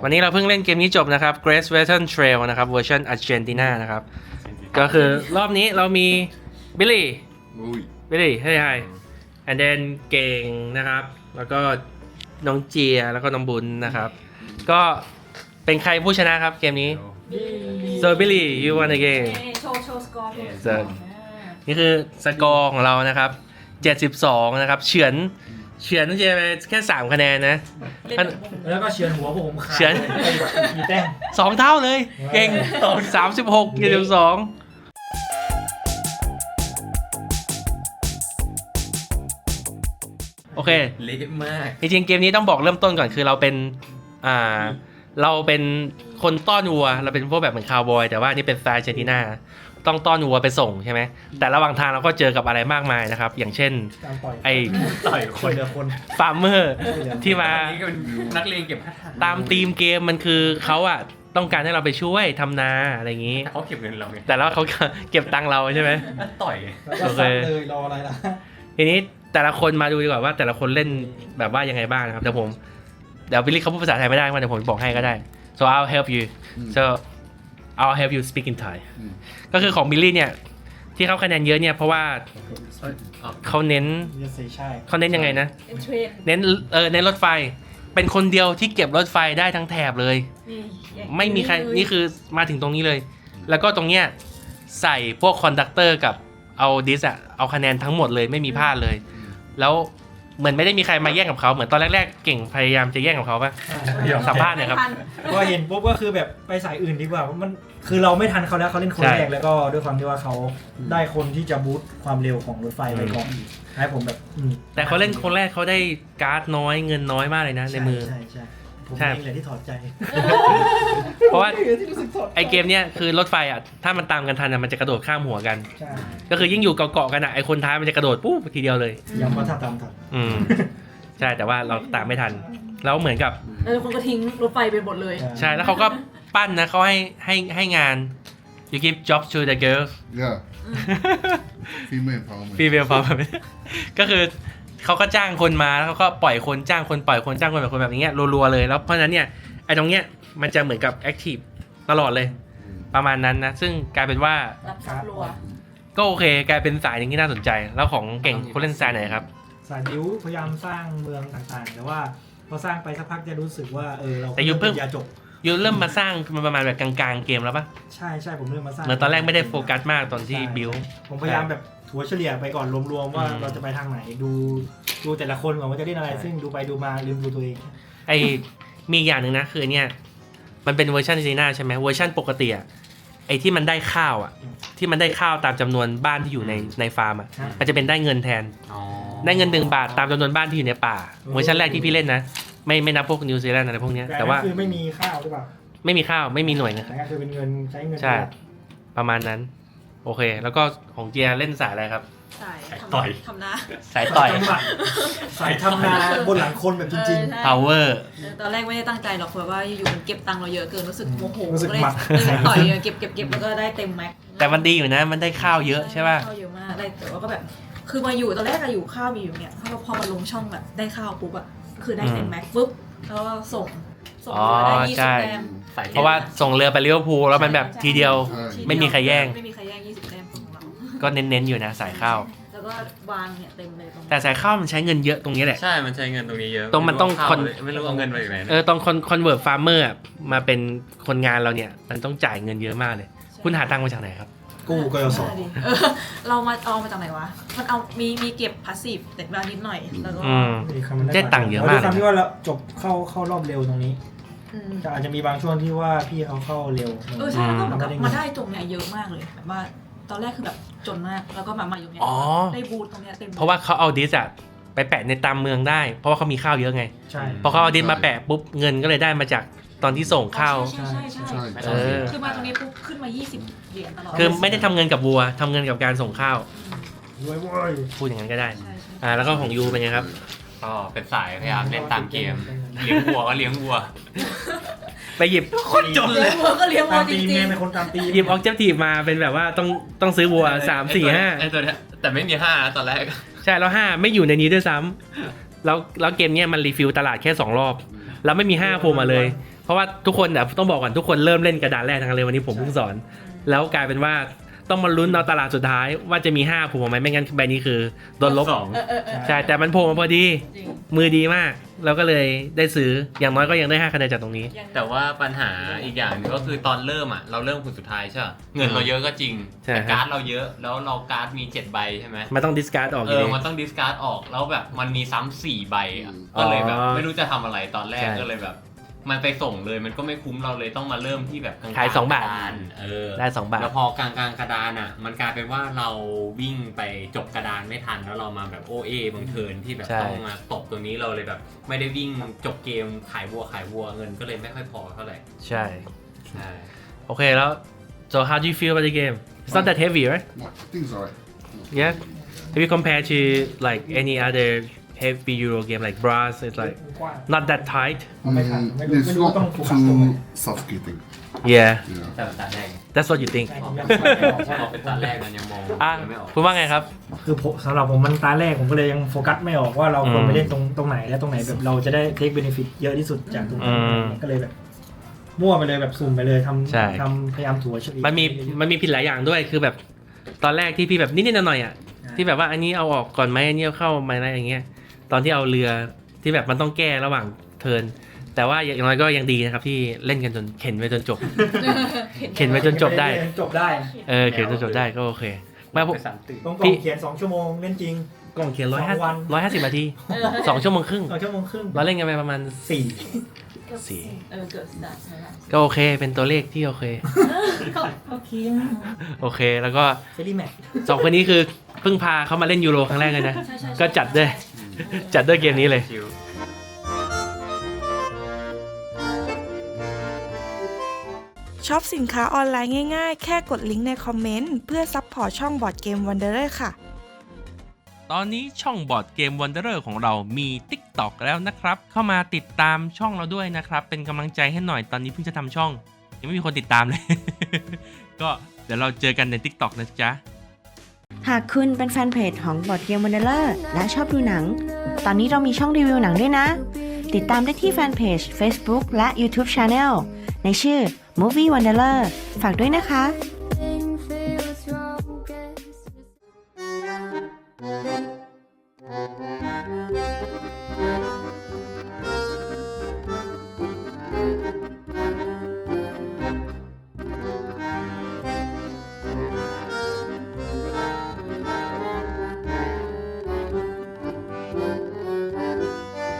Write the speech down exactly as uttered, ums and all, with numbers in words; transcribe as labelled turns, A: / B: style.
A: วันนี้เราเพิ่งเล่นเกมนี้จบนะครับ Great Western Trail นะครับเวอร์ชันอาร์เจนตินานะครับก็คือรอบนี้เรามีบิลลี่บิลลี่ให้ให้ and then เก่งนะครับแล้วก็น้องเจียแล้วก็น้องบุญนะครับก็เป็นใครผู้ชนะครับเกมนี้ so Billy you won the game
B: โชว์โชว์สกอร์
A: นี่คือสกอร์ของเรานะครับเจ็ดสิบสองนะครับเฉือนเฉือนน้องเจียไปแค่สามคะแนนนะ
C: แล้วก็เฉือนหัวผมขาด
A: เฉือน
C: มีแต้ม
A: สองเท่าเลยเก่งต่อสามสิบหกเจ็ดสิบสองโอเค
D: เละมาก
A: จริงๆเกมนี้ต้องบอกเริ่มต้นก่อนคือเราเป็นอ่าเราเป็นคนต้อนวัวเราเป็นพวกแบบเหมือนคาวบอยแต่ว่านี่เป็นสไตล์อาร์เจนตินาต้องต้อนวัวไปส่งใช่ไหมแต่ระหว่างทางเราก็เจอกับอะไรมากมายนะครับอย่างเช่นไอ้
D: ต่อยค
C: คน
D: น
C: เดียวคน
A: ฟาร์มเมอร์ที่มา
D: อันนี้ก็เป็นนักเลงเก็บพัด
A: ตามธีมเกมมันคือเขาอะต้องการให้เราไปช่วยทำนาอะไรอย่างนี้
D: แต่เขาเก็บเงินเราไง
A: แต่แล้วเขาเก็บตังค์เราใช่ไหม
D: ต่อย
C: แล้วก็ซัดเลยรออะไรล่ะ
A: ทีนี้แต่ละคนมาดูดีกว่าว่าแต่ละคนเล่นแบบว่ายังไงบ้างนะครับเดี๋ยวผมเดี๋ยวบิลลี่เขาพูดภาษาไทยไม่ได้มาเดี๋ยวผมบอกให้ก็ได้ so I'll help you so I'll help you speak in Thai ก็คือของบิลลี่เนี่ยที่เขาคะแนนเยอะเนี่ยเพราะว่าเขาเน้น
C: ใช่
A: เขาเน้นยังไงนะ
B: เป็นเทรน
A: เน้นเออเน้นรถไฟเป็นคนเดียวที่เก็บรถไฟได้ทั้งแถบเลย ไม่มีใครนี่คือมาถึงตรงนี้เลย แล้วก็ตรงเนี้ยใส่พวกคอนดักเตอร์กับเอาดิสอะเอาคะแนนทั้งหมดเลยไม่มีพลาดเลย แล้วเหมือนไม่ได้มีใครมาแย่งกับเขาเหมือนตอนแรกๆเก่งพยายามจะแย่งกับเขาปะสัมภาษณ์หน่อยครับ
C: พอเห็นปุ๊บก็คือแบบไปสายอื่นดีกว่ามันคือเราไม่ทันเขาแล้วเขาเล่นคนแรกแล้วก็ด้วยความที่ว่าเขาได้คนที่จะบูสต์ความเร็วของรถไฟไปก่อนให้ผมแบบอืม
A: แต่เขาเล่นคนแรกเขาได้การ์ดน้อยเงินน้อยมากเลยนะในมือ
C: ใช่ใช่ผม
A: ใช่
C: เองเลยที่ถอดใจ
A: เพราะว่า
C: ผมองลยที่รู้สึกถดใจ
A: ไอเกมเนี้ยคือรถไฟอ่ะถ้ามันตามกันทันอะมันจะกระโดดข้ามหัวกัน
C: ใช่
A: ก็คือยิ่งอยู่เกาะๆกันอ่ะไอคนท้ายมันจะกระโดดปุ๊บทีเดียวเลย
C: ย้ำว่าถ้าตามทัน
A: อืมใช่แต่ว่าเราตามไม่ทันแล้วเหมือนกับ
B: แล้วคนก็ทิ้งรถไฟไปหมดเลย
A: ใช่แล้วเขาก็ปั้นนะเขาให้ให้ให้งาน you give jobs to the girls
E: Yeah. Female empowerment.
A: female empowerment ก็คือเขาก็จ้างคนมาแล้วเขาก็ปล่อยคนจ้างคนปล่อยคนจ้างคนปล่อยคนแบบนี้รัวๆเลยแล้วเพราะฉะนั้นเนี่ยไอ้ตรงเนี้ยมันจะเหมือนกับ active ตลอดเลยประมาณนั้นนะซึ่งกลายเป็นว่า
B: รับซับรัว
A: ก็โอเคกลายเป็นสายหนึ่งที่น่าสนใจแล้วของเก่งเขาเล่นสายไหนครับ
C: สายบิ้วพยายามสร้างเมืองต่างๆ แต่ว่าพอสร้างไปสักพักจะรู้สึกว่าเออเรา
A: แต่ยุคเพิ่ง
C: ยาจบ
A: ยูเริ่มมาสร้างมันประมาณแบบกลางๆเกมแล้วปะ
C: ใช่ใช่ผมเริ่มมาสร้าง
A: เหมือนตอนแรกไม่ได้โฟกัสมากตอนที่บิว
C: ผมพยายามแบบถัวเฉลี่ยไปก่อนรวมๆว่า
A: อืม
C: เราจะไปทางไหนดูดูแต่ละคนก่อนว่าจะเล่นอะไรซึ่งดูไปดูมาลืมดูตัวเอง
A: ไอมีอย่างหนึ่งนะคือไอ้เนี่ยมันเป็นเวอร์ชันซีน่าใช่ไหมเวอร์ชันปกติอะไอที่มันได้ข้าวอะที่มันได้ข้าวตามจำนวนบ้านที่อยู่ในในฟาร์มอะมันจะเป็นได้เงินแทน
D: อ๋อ
A: ได้เงินหนึ่งบาทตามจำนวนบ้านที่อยู่ในป่าเวอร์ชันแรกที่พี่เล่นนะไม่ไม่นับพวกนิวซีแลนด์อะไรพวกเนี้ยแต่ว่า
C: คือไม่มีข้าวหรือเปล่า
A: ไม่มีข้าวไม่มีหน่วยนะค
C: แต่
A: รับ
C: ก็คือเป็นเงินใช้เงิน
A: ใช่ประมาณนั้นโอเค แล้วก็ของเจียเล่นสายอะไรครับ
B: ใช่
D: ต่อย
B: ทำนา
A: สายต่อย
C: จังหวะสายทำนาบนหลังคนแบบจริง
A: power
B: ตอนแรกไม่ได้ตั้งใจหรอกเพราะว่าอยู่ๆมันเก็บตังค์เราเยอะเกินรู้สึกโมโห
C: รู้สึก
B: ก็เลย
C: หมัด
B: เลยต่อยเก็บเก็บเก็บแล้วก็ได้เต็มแม็ก
A: แต่มันดีอยู่นะมันได้ข้าวเยอะใช่ป่ะ
B: ข้าวเยอะมากได้แต่ว่าก็แบบคือมาอยู่ตอนแรกอะอยู่ข้าวมีอยู่เนี่ยพอมาลงช่องแบบได้ข้าวปุ๊บอะคือได้เต็มแม็กปุ๊บแล้วก็ส่งส่ง
A: อ๋อ
B: ได้ยี่
A: ใช่
B: สิบแต้ม
D: ใส่
A: เพราะว่าส่งเรือไปลิเวอร์พูลแล้วมันแบบทีเดียว ไม่มีใครแย่ง
B: ไม่มีใครแย่งยี่สิบแต้มของเรา
A: ก็เน้นๆอยู่นะสายข้าว
B: แล้วก็วางเนี่ยเต็มเลยตรง
A: แต่สายข้าวมันใช้เงินเยอะตรงนี้แหละ
D: ใช่มันใช้เงินตรงนี้เยอะ
A: ตรงมันต้อง
D: เข้า
A: คน
D: ไม่รู้เอาเงินไปไหน
A: เออตอนคอนคอนเวิร์ตฟาร์มเมอร์มาเป็นคนงานเราเนี่ยมันต้องจ่ายเงินเยอะมากเลย คุณหาตังค์มาจากไหนครับ
C: ๆ กู้กยศ
B: เออเรามาเอามาจากไหนวะมันเอามีมีเก็บพาสซีฟแต่บางนิดหน่อยแล้วก็
A: อืม ได้ตังค์เยอะมาก
C: ด้วยความที่ว่าเราจบเข้าเข้ารอบเร็วตรงนี้
B: อืม
C: แต่อาจจะมีบางช่วงที่ว่าพี่เขาเข้าเร็ว
B: เออใช่แล้วก็เหมือนกับมาได้ตรงเนี้ยเยอะมากเลยแบบว่าตอนแรกคือแบบจนมากแล้วก็มามาอยู่เนี้ย
A: อ๋อ
B: ได้บูทตรงเนี้ยเต็ม
A: เพราะว่าเขาเอาดิสอะไปแปะในตามเมืองได้ เพราะว่าเขามีข้าวเยอะไง
C: ใช่
A: พอเขาเอาดิสมาแปะปุ๊บเงินก็เลยได้มาจากตอนที่ส่งข้าว
B: ใช่ใช่ใช่
E: ใช่
A: เออ
B: คือมาตรงนี้ปุ๊บขึ้นมายี่สิบเหรียญตลอด
A: คือไม่ได้ทำเงินกับวัวทำเงินกับการส่งข้าว
C: รวยเว้ย
A: พูดอย่างนั้นก็ได้
B: ใช่ใช่
A: อ่าแล้วก็ของยูเป็นไงครับ
D: ก็เป็นสายพยายามเล่นตามเกม เลี้ยงวัวก็เลี้ยงวัว
A: ไปหยิบ
D: คนจน
B: เลี้
D: เลย ย
B: งวัวก็เลี้ยงวั
C: ตาว ม
B: จ
C: ตีม
B: ริง
C: เนี่ยเป็นคนตามตีม
A: หยิบออกเจกตีฟมาเป็นแบบว่าต้องต้องซื้อวัวสามสี่ห้า
D: ไอตัวเนี้ยแต่ไม่มีห้าตอนแรก
A: ใช่แล้วห้าไม่อยู่ในนี้ด้วยซ้ำแล้วแล้วเกมเนี้ยมันรีฟิลตลาดแค่สองรอบแล้วไม่มีห้าโผล่มาเลยเพราะว่าทุกคนเนี่ยต้องบอกก่อนทุกคนเริ่มเล่นกระดานแรกทั้งนั้นเลยวันนี้ผมเพิ่งสอน แล้วกลายเป็นว่าต้องมาลุ้นเอาตลาดสุดท้ายว่าจะมีห้าโผล่มาไหมไม่งั้นใบนี้คือโดนลบ
D: สอง
B: เออเออเออ
A: ใช่แต่มันโผล่มาพอดี
B: จริง
A: มือดีมากเราก็เลยได้ซื้ออย่างน้อยก็ยังได้ห้าคะแนนจากตรงนี้
B: ยัง
D: แต่ว่าปัญหาอีกอย่างหนึงก็คือตอนเริ่มอ่ะเราเริ่มคนสุดท้ายใช่ปะเงินเราเยอะก็จริง
A: ใช่
D: แต่การ์ดเราเยอะแล้วเราการ์ดมีเจ็ดใบใช่ไหม
A: มันต้องดิสการ์ดออกอ
D: เอยู่ อ
A: ดี
D: มันต้องดิสการ์ดออกแล้วแบบมันมีซ้ำสี่ใบอ่ะ
A: อ๋อ
D: ก็เลยแบบไม่รู้จะทำอะไรตอนแรก
A: ใช่
D: ก็เลยแบบ มันไปส่งเลยมันก็ไม่คุ้มเราเลยต้องมาเริ่มที่แบบกลางๆ
A: ขายสองบาท
D: กระดนเออ
A: ได้สองบาท
D: แล้วพอกลางกลางๆกระดานอ่ะ มันกลายเป็นว่าเราวิ่งไปจบกระดานไม่ทันแล้วเรามาแบบโอเอบางเทิร์นที่แบบ
A: ใช่
D: ต้องมาตบตัวนี้เราเลยแบบ ไม่ได้วิ่งจบเกมขายวัวขายวัวเงินก็เลยไม่ค่อยพอเท่าไหร่
A: ใช่
D: ใช่
A: โอเคแล้ว so how do you feel about the game it's not that heavy right
E: No, I think it's alright.
A: yeah if you compare to like any other heavy Euro game like Brass it's like
C: กว้าง
A: not that tight
C: ไม่ทัน
E: Mm,
C: ไม่รู้
E: it's
C: ไม่รู้ต้อง
E: not
C: โฟกัสตรงไหน
E: too suffocating.
A: yeah
E: Yeah.
D: แต่ตัดแรก
A: that's what you think
C: ใช่ผมยังไม่ออก
D: พอเป็นตัดแรกมันยังมอง
A: อ่ะ
D: ยังไม่ออก
A: คุณว่าไงครับ
C: คือผมสำหรับผมมันตาแรกผมก็เลยยังโฟกัสไม่ออกว่าเราควร
A: อืม
C: ไปเล่นตรงตรงไหนและตรงไหนแบบเราจะได้เทคเบนฟิตเยอะที่สุดจากตรงนั้น
A: อืม
C: ก็เลยแบบมั่วไปเลยแบบสุ่มไปเลยท
A: ใช่
C: ำทำพยายามถัวเฉลี่ย
A: มันมีมันมีผิดหลายอย่างด้วยคือแบบตอนแรกที่พี่แบบนิดๆหน่อยๆอ่ะที่แบบว่าอันนี้เอาออกก่อนไหมอันนี้เอาเข้าไหมอะไรอย่างเงี้ยตอนที่เอาเรือที่แบบมันต้องแก้ระหว่างเทิร์นแต่ว่าอย่างน้อยก็ยังดีนะครับที่เล่นกันจนเข็นไปจนจบ เข็นไว้จนจบได้
C: จบได้
A: เออเขียนจนจบได้ก็โอเคไมาผม
D: ไปสามตื่น
C: ตรงกล่องเขียนสองชั่วโมงเล่นจริง
A: กล่องเขียนร้อย
C: ส
A: ห้า
C: องวัน
A: ร้อยห้าสิบนาที
B: เออ
A: สองชั่วโมงครึ่ง
C: สองชั่วโมงครึ่ง
A: เราเล่นกันไปประมาณ
C: สี่
A: สี่
B: เออเกิดสตาร์ทแล้ว
A: ก็โอเคเป็นตัวเลขที่โอเค
B: โอเค
A: โอเคแล้วก็
C: เซรีแมท
A: สองคนนี้คือเพิ่งพาเขามาเล่นยูโรครั้งแรกเลยนะ
B: ใช่ใช่
A: ก็จัดด้วยจัดด้วยเกมนี้เลย
D: ชิว
F: ช็อปสินค้าออนไลน์ง่ายๆ แค่กดลิงก์ในคอมเมนต์ เพื่อซัพพอร์ตช่องบอร์ดเกมวันเดอร์ค่ะ
A: ตอนนี้ช่องบอร์ดเกม Wanderer ของเรามี TikTok แล้วนะครับ เข้ามาติดตามช่องเราด้วยนะครับ เป็นกำลังใจให้หน่อยตอนนี้เพิ่งจะทำช่อง ยังไม่มีคนติดตามเลย ก็เดี๋ยวเราเจอกันใน TikTok นะจ๊ะ
G: หากคุณเป็นแฟนเพจของบอร์ดเกมวันเดอร์และชอบดูหนัง ตอนนี้เรามีช่องรีวิวหนังด้วยนะ ติดตามได้ที่แฟนเพจ Facebook และ YouTube Channel ในชื่อ Movie Wanderer ฝากด้วยนะคะ